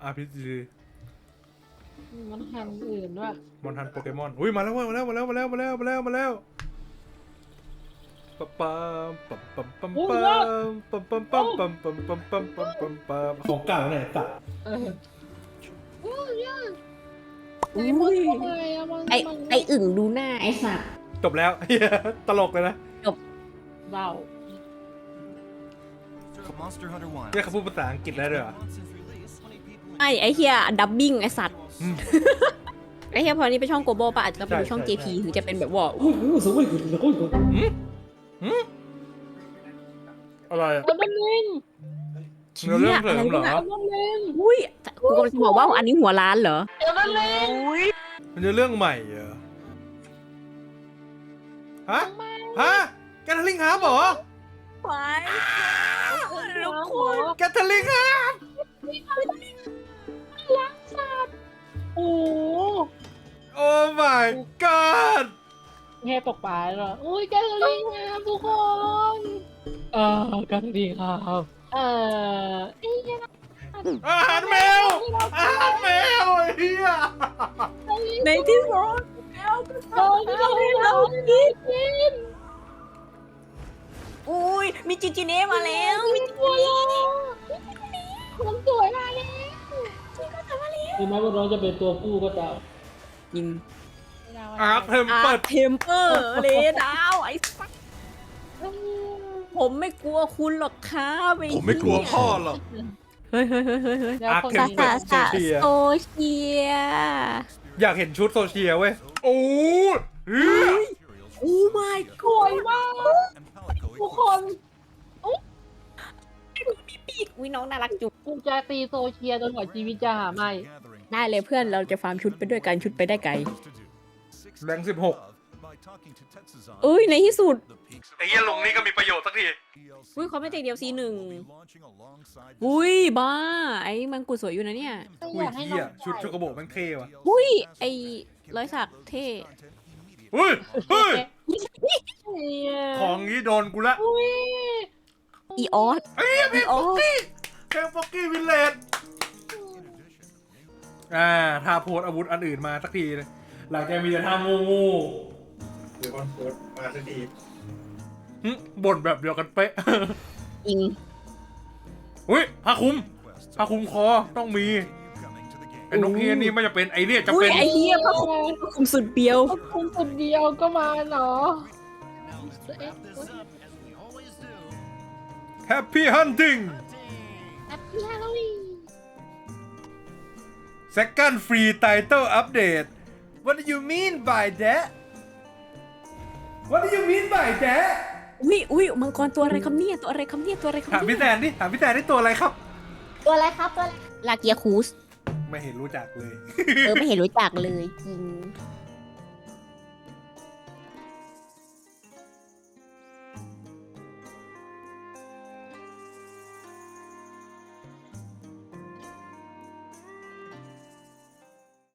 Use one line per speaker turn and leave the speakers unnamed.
RPG
มันทำอื่นด้วย
มอนทันโปเกมอนอุ้ยมาแล้วปั๊มปั๊มปั๊มปั๊มปั๊มปั๊มปั๊มปั๊มปั๊มปั๊มปั๊มปั๊มปั๊มปั๊มของเก่าเนี่ยตัด
โอ้ยยาก
อุ้
ไอ้
ยไออึ่งดูหน้าไอสัตว์
จบแล้ว ตลกเลยนะ
เบา
เนี่ยเขาพูดภาษาอังกฤษได้ด้วยเหรอ
ไอเฮียดับบิ้งไอสัตว์ไอเฮียพอนี้เป็นช่องโกโบป่ะอาจจะต้องเป็นช่อง JP ถึงจะเป็นแบบว่าสวยขึ้นแล้วก็
อะไรอะ
แล้วมันเล่น
เนื้อเรื่องเสริมเหรอ
แล้วมันเล่น
อุ้ยกูกำลังจะบอกว่าอันนี้หัวร้านเหรอ
แล้วมันเล่น
มันจะเรื่องใหม่เหรอฮะแกทลิงฮาร์ปเหรอ
ไปทุกคน
แกทลิงฮาร์ป
รักสัตว์โอ้
โอ้ my god
แค่ตกปลาเหรออุ้ยแกสลิงครับทุกคนแกสลิงครับ
อาหารแมวอาหารแมวไอ้เหี้ย
ในที่สุด
เรากิน
อุ้ยมีจิจิเน่มาแล้วมีจิจิเน่
คนสวยมาแล้วถึงแม้ว่าน้องจะเป็นตัวผู้ก็ตาม
ยิง
อาร์คเทมเปิด
เทมเปอร์เลดาวไอ้สัสผมไม่กลัวคุณหรอกครับไอ้
ผมไม่กลัว
พ่อหรอก
เฮ้ย
อาร์คเทมเปิ
สา
ด
สา
โซเชีย
โซเชีย
อยากเห็นชุดโซเชียเว้ยโอ้ยเหี้ย
โอ้ my
สวยมากทุกคน
มีปีกวิน้องน่ารักจุก
กูจะตีโซเชียจนกว่าชีวิตจะหาไม่
ได้เลยเพื่อนเราจะฟาร์มชุดไปด้วยกันชุดไปได้ไกล
แบงค์16
เอ้ยในที่สุด
ไอ้เหี้ยลงนี่ก็มีประโยชน์สักที
อุ้ยเขาไม่ติดเดียวซีหนึ่งอุ้ยบ้าไอ้มันกูสวยอยู่นะเนี่ย
อุ้ยเหี้ยชุดโชโกโบะมันเท่ว่ะ
อุ้ยไอ้ร้อยสักเท่
อุ้ยเฮ้ย
เนี่ย
ของนี้โดนกูละ
อุ้ย
อีออส
ไอ้เหี้ยเพลงป๊อกกี้เพลงป๊อกกี้วิลเลจถ้าโพสอาวุธอันอื่นมาสักทีเลยหลังจากมีแต่ท่างูหรือคอนโพสมาสักทีบ่นแบบเดียวกันเป๊ะ
อิง
อุ้ยผ้าคลุมคอต้องมีไอ้นกเฮียนี่ไม่จะเป็นไอเนี่ยจะ
อุ้
เป็
ย
น
ไอ้เฮียพระคุมสุดเบียว
คุณคนเดียวก็มาเนาะ
Happy Hunting
แอปปี้ฮาโลวีน
Second Free Title Update What do you mean by that What do you mean by that
อุ้ยมังกรตัวอะไรคำเนี่ยตัวอะไรคำเนี่ยตัวอะไรคำ
ถามพี่
เนี่ย
แซนดิถามพี่แซนได้ตัวอะไรครับ
ตัวอะไรครับตัวอะไร
ลาเกียคูส
ไม่เห็นรู้จักเลย
ไม่เห็นรู้จักเลยจริง